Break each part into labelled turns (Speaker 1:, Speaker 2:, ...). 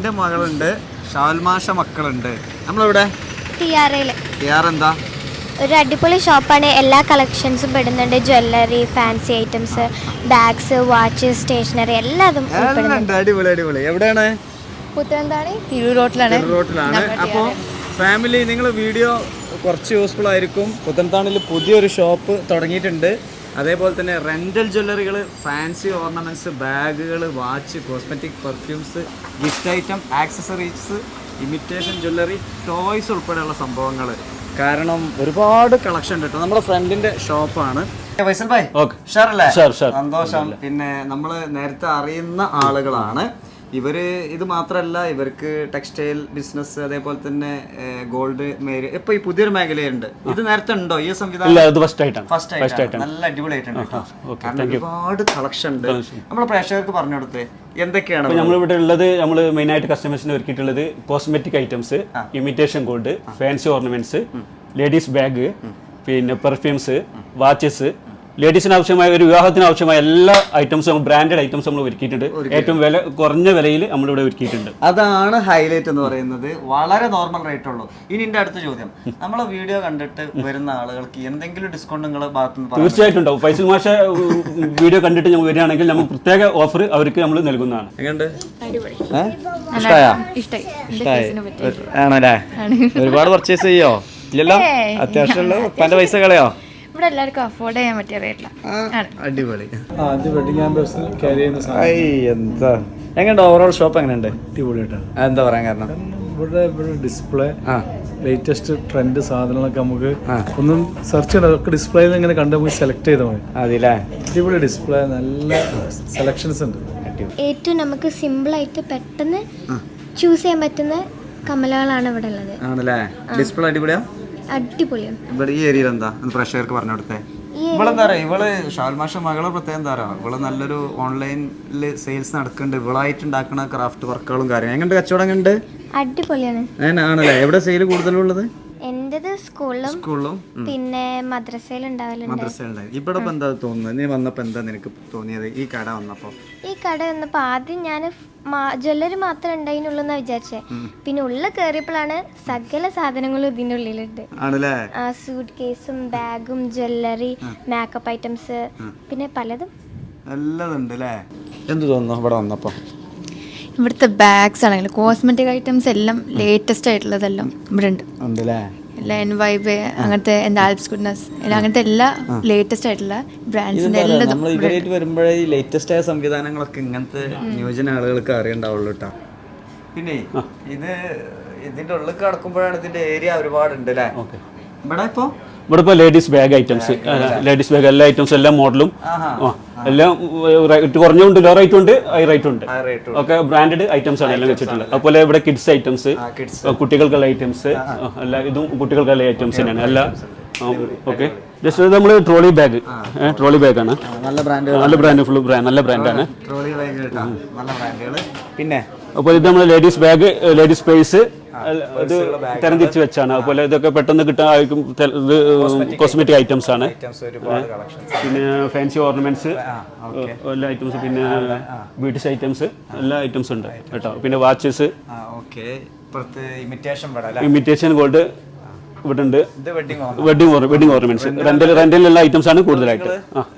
Speaker 1: എൻ്റെ മകളുണ്ട്, ഷാൽമാഷ മക്കളുണ്ട്. നമ്മളിവിടെ ടിആർ എന്താ
Speaker 2: ഒരു അടിപൊളി ഷോപ്പാണ്. എല്ലാ കളക്ഷൻസും പെടുന്നുണ്ട്. Jewellery, fancy items, bags, watch, stationery എല്ലാതും
Speaker 1: ഉണ്ട്. അടിപൊളി അടിപൊളി. എവിടെയാണ്?
Speaker 2: പുത്തനത്താണി തിരൂരോട്ടിലാണ്.
Speaker 1: അപ്പോൾ ഫാമിലി, നിങ്ങൾ വീഡിയോ കുറച്ച് യൂസ്ഫുൾ ആയിരിക്കും. പുത്തനത്താണിൽ പുതിയൊരു ഷോപ്പ് തുടങ്ങിയിട്ടുണ്ട്. അതേപോലെ തന്നെ റെൻ്റൽ ജ്വല്ലറികൾ, ഫാൻസി ഓർണമെൻറ്റ്സ്, ബാഗുകൾ, watch, cosmetic, perfumes, gift item, accessories, imitation jewellery, toys ഉൾപ്പെടെയുള്ള സംഭവങ്ങൾ. കാരണം ഒരുപാട് കളക്ഷൻ ഉണ്ട് കേട്ടോ. നമ്മുടെ ഫ്രണ്ടിന്റെ ഷോപ്പാണ്. ഫൈസൽ ഭായ്, സന്തോഷം. പിന്നെ നമ്മൾ നേരത്തെ അറിയുന്ന ആളുകളാണ് ഇവര്. ഇത് മാത്രമല്ല, ഇവർക്ക് ടെക്സ്റ്റൈൽ ബിസിനസ്, അതേപോലെ തന്നെ ഗോൾഡ് മേരി, ഇപ്പൊ ഈ പുതിയൊരു മേഖലയുണ്ട്. ഇത് നേരത്തെ ഉണ്ടോ ഈ സംവിധാനം? ഫസ്റ്റ് ആയിട്ട് നല്ല അടിപൊളിയായിട്ടുണ്ട്. കാരണം ഒരുപാട് കളക്ഷൻ ഉണ്ട്. നമ്മളെ പ്രേക്ഷകർക്ക് പറഞ്ഞു കൊടുത്തേ എന്തൊക്കെയാണ്
Speaker 3: നമ്മളിവിടെ ഉള്ളത്. നമ്മൾ മെയിൻ ആയിട്ട് കസ്റ്റമേഴ്സിന് ഒരുക്കിയിട്ടുള്ളത് cosmetic items, imitation gold, fancy ornaments, ladies bag, പിന്നെ പെർഫ്യൂംസ്, വാച്ചസ്, ലേഡീസിന് ആവശ്യമായ ഒരു വിവാഹത്തിന് ആവശ്യമായ എല്ലാ ഐറ്റംസും, ബ്രാൻഡഡ് ഐറ്റംസ് നമ്മൾ ഒരുക്കിയിട്ടുണ്ട്. ഏറ്റവും കുറഞ്ഞ വിലയിൽ നമ്മളിവിടെ ഒരുക്കിയിട്ടുണ്ട്.
Speaker 1: അതാണ് ഹൈലൈറ്റ് എന്ന് പറയുന്നത്. വളരെ നോർമൽ റേറ്റ് ഉള്ളൂ. ഇനി എന്റെ അടുത്ത ചോദ്യം, നമ്മളെ വീഡിയോ കണ്ടിട്ട് വരുന്ന ആളുകൾക്ക് എന്തെങ്കിലും ഡിസ്കൗണ്ട് നിങ്ങളെ ഭാഗത്തുനിന്ന്?
Speaker 3: തീർച്ചയായിട്ടും ഉണ്ടാവും. ഫൈസൽ മാഷ വീഡിയോ കണ്ടിട്ട് നമ്മൾ വരികയാണെങ്കിൽ നമുക്ക് പ്രത്യേക ഓഫർ അവർക്ക് നമ്മൾ നൽകുന്നതാണ്.
Speaker 1: ആണല്ലേ? ഒരുപാട് പർച്ചേസ് ചെയ്യോ? ഇല്ലല്ലോ? അത്യാവശ്യമുള്ള ഉപ്പാന്റെ പൈസ കളയോ?
Speaker 2: ഇവിടെ എല്ലാവർക്കും അഫോർഡ് ചെയ്യാൻ പറ്റിയ റേറ്റില്ല.
Speaker 1: അടിപൊളി.
Speaker 4: എന്താ
Speaker 1: എങ്ങനെയുണ്ട് ഓവറോൾ ഷോപ്പ്? എങ്ങനെയുണ്ട്?
Speaker 4: അടിപൊളിയായിട്ടാണ്.
Speaker 1: എന്താ പറയാൻ കാരണം?
Speaker 4: ഇവിടെ ഡിസ്പ്ലേ, ലേറ്റസ്റ്റ് ട്രെൻഡ് സാധനങ്ങളൊക്കെ നമുക്ക് ഒന്നും സെർച്ച് ചെയ്യണം. ഒക്കെ ഡിസ്പ്ലേയിൽ ഇങ്ങനെ കണ്ട് നമുക്ക് സെലക്ട് ചെയ്താൽ മതി.
Speaker 1: അതില്ലേ?
Speaker 4: അടിപൊളി ഡിസ്പ്ലേ, നല്ല സെലക്ഷൻസ് ഉണ്ട്.
Speaker 2: ഏറ്റവും നമുക്ക് സിമ്പിളായിട്ട് പെട്ടെന്ന് ചൂസ് ചെയ്യാൻ പറ്റുന്ന കമ്മലുകളാണ് ഇവിടെ ഉള്ളത്.
Speaker 1: ആണല്ലേ? ഡിസ്പ്ലേ അടിപൊളിയാ?
Speaker 2: അടിപൊളിയാണ്.
Speaker 1: ഇവിടെ ഈ ഏരിയയിൽ എന്താ പ്രേക്ഷകർക്ക് പറഞ്ഞു കൊടുത്തേ? ഇവളെന്താ പറയാ, ഇവള് ഷാൽമാഷ മകളെ പ്രത്യേകം എന്താ പറയാ, ഇവള് നല്ലൊരു ഓൺലൈനിൽ സെയിൽസ് നടക്കുന്നുണ്ട്. ഇവളായിട്ട് ഉണ്ടാക്കുന്ന ക്രാഫ്റ്റ് വർക്കുകളും കാര്യങ്ങളും. എങ്ങനെയുണ്ട് കച്ചവടം? എങ്ങനെയുണ്ട്?
Speaker 2: അടിപൊളിയാണ്.
Speaker 1: ആണല്ലേ? എവിടെ സെയിൽ കൂടുതലുള്ളത്?
Speaker 2: എന്റേത് സ്കൂളിലും പിന്നെ മദ്രസയിലുണ്ടാവില്ല.
Speaker 1: ഇവിടെ ഇപ്പൊ എന്താ തോന്നുന്നത്? നീ വന്നപ്പോ എന്താ നിനക്ക് തോന്നിയത് ഈ കട വന്നപ്പോ?
Speaker 2: ഈ കട വന്നപ്പോ ആദ്യം ഞാൻ ജ്വല്ലറി മാത്രമേ ഉണ്ടായിരുന്നുള്ളൂ എന്നാ വിചാരിച്ചേ. പിന്നെ ഉള്ളിൽ കയറിയപ്പോഴാണ് സകല സാധനങ്ങളും ഇതിന്റെ ഉള്ളിലുണ്ട്.
Speaker 1: ആണല്ലേ?
Speaker 2: സൂട്ട് കേസും ബാഗും ജ്വല്ലറി, മേക്കപ്പ് ഐറ്റംസ്, പിന്നെ പലതും
Speaker 1: എല്ലാം ഉണ്ട് അല്ലേ? എന്ത് തോന്നുന്നു ഇവിടെ വന്നപ്പോ?
Speaker 5: ഇവിടുത്തെ ബാഗ്സ് ആണെങ്കിലും കോസ്മെറ്റിക് ഐറ്റംസ് എല്ലാം ലേറ്റസ്റ്റ് ആയിട്ടുള്ളതെല്ലാം ഇവിടെ ഉണ്ട്. എല്ലാ എൻവൈബ്, അങ്ങനത്തെ എന്താ ആൽപ്സ് ഗുഡ്നസ്, അങ്ങനത്തെ എല്ലാ ലേറ്റസ്റ്റ് ആയിട്ടുള്ള ബ്രാൻഡ്സിന്റെ എല്ലാം
Speaker 1: വരുമ്പോഴേ ഈ ലേറ്റസ്റ്റ് ആയ സംവിധാനങ്ങളൊക്കെ ഇങ്ങനത്തെ ന്യൂജന ആളുകൾക്ക് അറിയണ്ടാവുള്ളൂ കേട്ടോ. പിന്നെ ഇതിന്റെ ഉള്ളിൽ കിടക്കുമ്പോഴാണ് ഇതിന്റെ ഏരിയ ഒരുപാടുണ്ട് അല്ലേ? ഇവിടെ
Speaker 3: ഇപ്പോൾ ladies bag items, ladies bag എല്ലാ ഐറ്റംസും, എല്ലാ മോഡലും എല്ലാം റേറ്റ് കുറഞ്ഞുണ്ട്, ലോ റേറ്റ് ഉണ്ട്, ഹൈ റേറ്റ് ഉണ്ട്. ഒക്കെ ബ്രാൻഡഡ് ഐറ്റംസ് ആണ് എല്ലാം വെച്ചിട്ടുള്ളത്. അതുപോലെ ഇവിടെ കിഡ്സ് ഐറ്റംസ്, കുട്ടികൾക്കുള്ള ഐറ്റംസ്, എല്ലാ ഇതും കുട്ടികൾക്കുള്ള ഐറ്റംസ് തന്നെയാണ് എല്ലാം. ഓക്കെ, ജസ്റ്റ് നമ്മൾ ട്രോളി ബാഗ് ആണ്. നല്ല ബ്രാൻഡ്, ഫുൾ ബ്രാൻഡ്, നല്ല ബ്രാൻഡാണ്.
Speaker 1: പിന്നെ
Speaker 3: അപ്പോൾ ഇത് നമ്മൾ ലേഡീസ് ബാഗ്, ലേഡീസ് പേഴ്സ് ഇത് തരംതിരിച്ച് വെച്ചാണ്. അതുപോലെ ഇതൊക്കെ പെട്ടെന്ന് കിട്ടാൻ കോസ്മെറ്റിക് ഐറ്റംസ് ആണ്. പിന്നെ ഫാൻസി ഓർണമെന്റ്സ് എല്ലാ ഐറ്റംസ്, പിന്നെ ബ്യൂട്ടീസ് ഐറ്റംസ്, എല്ലാ ഐറ്റംസും ഉണ്ട് കേട്ടോ. പിന്നെ വാച്ചസ്, ഇമിറ്റേഷൻ ഗോൾഡ് ഇവിടെ ഉണ്ട്. വെഡിങ് ഓർണമെന്റ്സ്, റെന്റലുള്ള ഐറ്റംസ് ആണ് കൂടുതലായിട്ട്.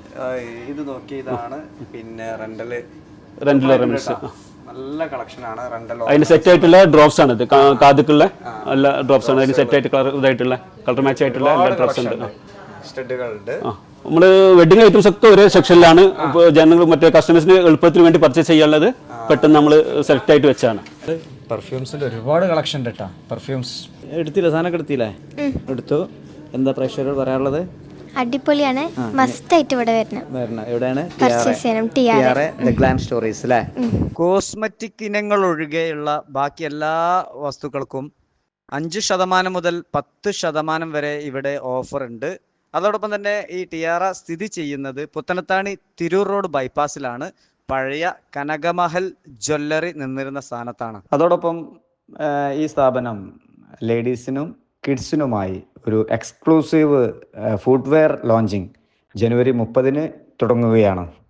Speaker 3: റെന്റൽ ഓർണമെന്റ്സ്
Speaker 1: നല്ല കളക്ഷനാണ്.
Speaker 3: അതിന് സെറ്റ് ആയിട്ടുള്ള ഡ്രോപ്സ് ആണ്. ഇത് കാതുക്കുള്ള എല്ലാ ഡ്രോപ്സ് ആണ്. അതിന് സെറ്റ് ആയിട്ട് കളർ മാച്ച് ആയിട്ടുള്ള എല്ലാ ഡ്രോപ്സ് ഉണ്ട്. നമ്മള് വെഡിങ് ഐറ്റംസ് ഒക്കെ ഒരേ സെക്ഷനിലാണ്. ജനങ്ങൾ മറ്റേ കസ്റ്റമേഴ്സിന് എളുപ്പത്തിന് വേണ്ടി പർച്ചേസ് ചെയ്യാനുള്ളത് പെട്ടെന്ന് നമ്മൾ സെലക്ട് ആയിട്ട് വെച്ചാണ്.
Speaker 1: പെർഫ്യൂംസിന്റെ ഒരുപാട് കളക്ഷൻ ഉണ്ട് കേട്ടോ. പെർഫ്യൂംസ് എടുത്തില്ല? സാധനമൊക്കെ എടുത്തില്ലേ? എടുത്തു. എന്താ പ്രേക്ഷകരോട് പറയാനുള്ളത്?
Speaker 2: അടിപൊളിയാണ്. മസ്റ്റ് ആയിട്ട് ഇവിടെ വരണം.
Speaker 1: എവിടെയാണ്? സ്റ്റോറീസ് അല്ലേ? കോസ്മെറ്റിക് ഇനങ്ങൾ ഒഴികെയുള്ള ബാക്കി എല്ലാ വസ്തുക്കൾക്കും 5% മുതൽ 10% വരെ ഇവിടെ ഓഫർ ഉണ്ട്. അതോടൊപ്പം തന്നെ ഈ ടിയാറ സ്ഥിതി ചെയ്യുന്നത് പുത്തനത്താണി തിരൂർ റോഡ് ബൈപ്പാസിലാണ്. പഴയ കനകമഹൽ ജ്വല്ലറി നിന്നിരുന്ന സ്ഥാനത്താണ്. അതോടൊപ്പം ഈ സ്ഥാപനം ലേഡീസിനും കിഡ്സിനുമായി ഒരു എക്സ്ക്ലൂസീവ് ഫുട്വെയർ ലോഞ്ചിങ് ജനുവരി 30 തുടങ്ങുകയാണ്.